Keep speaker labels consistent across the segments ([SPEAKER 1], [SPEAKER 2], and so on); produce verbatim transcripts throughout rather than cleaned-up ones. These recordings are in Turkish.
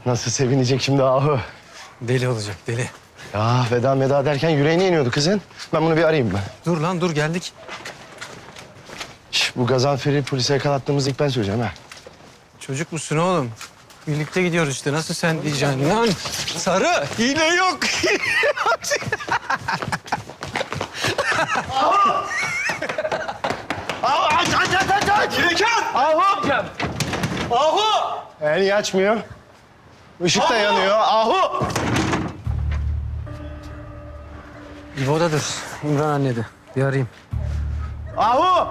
[SPEAKER 1] Nasıl sevinecek şimdi Ahu?
[SPEAKER 2] Deli olacak deli.
[SPEAKER 1] Ya veda meda derken yüreğine iniyordu kızın. Ben bunu bir arayayım ben.
[SPEAKER 2] Dur lan dur geldik.
[SPEAKER 1] Şş, bu Gazanfer'i polise yakalattığımızı ilk ben söyleyeceğim ha.
[SPEAKER 2] Çocuk musun oğlum? Birlikte gidiyoruz işte. Nasıl sen diyeceksin lan? Sarı, hile yok.
[SPEAKER 1] Ahu aç aç aç aç aç!
[SPEAKER 2] Zekan!
[SPEAKER 1] Ahu!
[SPEAKER 2] Ahu!
[SPEAKER 1] E, niye açmıyor? Işık da yanıyor. Ahu!
[SPEAKER 2] İbo'dadır. İmran annede. Bir arayayım.
[SPEAKER 1] Ahu!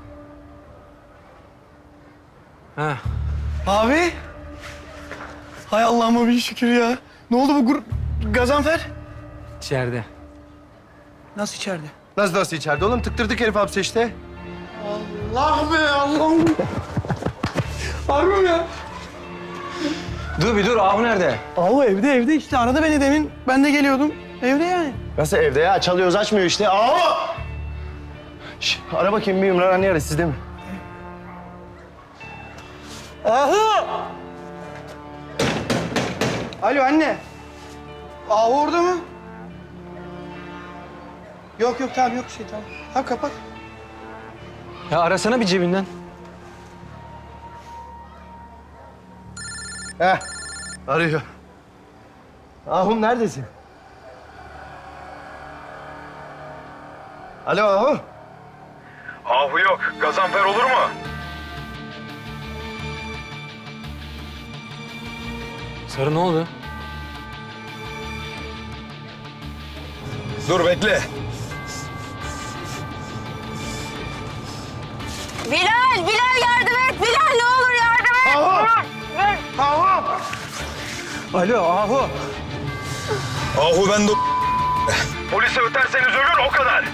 [SPEAKER 2] Ha.
[SPEAKER 3] Abi. Hay Allah'ıma bir şükür ya. Ne oldu bu grup? Gazanfer?
[SPEAKER 2] İçeride.
[SPEAKER 3] Nasıl içeride?
[SPEAKER 1] Nasıl nasıl içeride oğlum? Tıktırdık herif hapse işte.
[SPEAKER 3] Allah be Allah'ım. Harbi mi ya?
[SPEAKER 2] Dur bir dur. Ahu nerede?
[SPEAKER 3] Ahu evde evde işte aradı beni demin. Ben de geliyordum. Evde yani.
[SPEAKER 1] Nasıl evde ya? Çalıyoruz açmıyor işte. Ahu! Şş, ara bakayım bir İmran anne ara sizde mi?
[SPEAKER 3] Ahu! Alo anne. Ahu orada mı? Yok yok tamam yok şey tamam. Tamam kapat.
[SPEAKER 2] Ya arasana bir cebinden.
[SPEAKER 1] Heh, arıyor. Ahum neredesin? Alo Ahu.
[SPEAKER 4] Ahu yok. Gazanfer olur mu?
[SPEAKER 2] Sarı ne oldu?
[SPEAKER 4] Dur bekle.
[SPEAKER 5] Bilal, Bilal yardım et. Bilal ne olur yardım et.
[SPEAKER 1] Ahu! Ahu!
[SPEAKER 2] Alo Ahu.
[SPEAKER 4] Ahu ben de... Polise öterseniz ölür o kadar.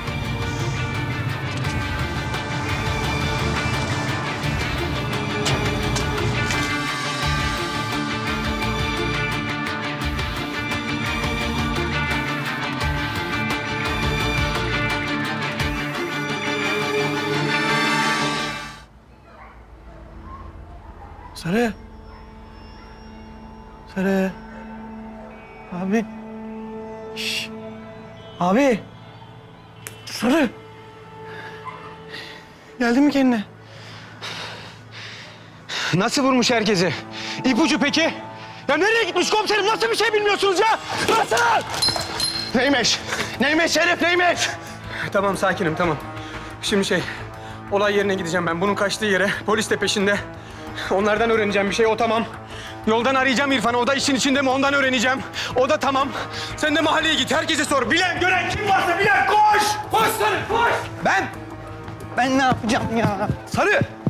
[SPEAKER 3] Sarı. Sarı. Abi. Şş. Abi. Sarı. Geldin mi kendine?
[SPEAKER 2] Nasıl vurmuş herkesi? İpucu peki? Ya nereye gitmiş komiserim? Nasıl bir şey bilmiyorsunuz ya? Nasıl?
[SPEAKER 1] Neymiş? Neymiş herif neymiş?
[SPEAKER 2] Tamam sakinim tamam. Şimdi şey, olay yerine gideceğim ben. Bunun kaçtığı yere, polis de peşinde. Onlardan öğreneceğim bir şey, o tamam. Yoldan arayacağım İrfan'ı, o da işin içinde mi ondan öğreneceğim. O da tamam. Sen de mahalleye git, herkese sor. Bilen, gören kim varsa bilen koş! Koş Sarı, koş!
[SPEAKER 3] Ben? Ben ne yapacağım ya? Sarı.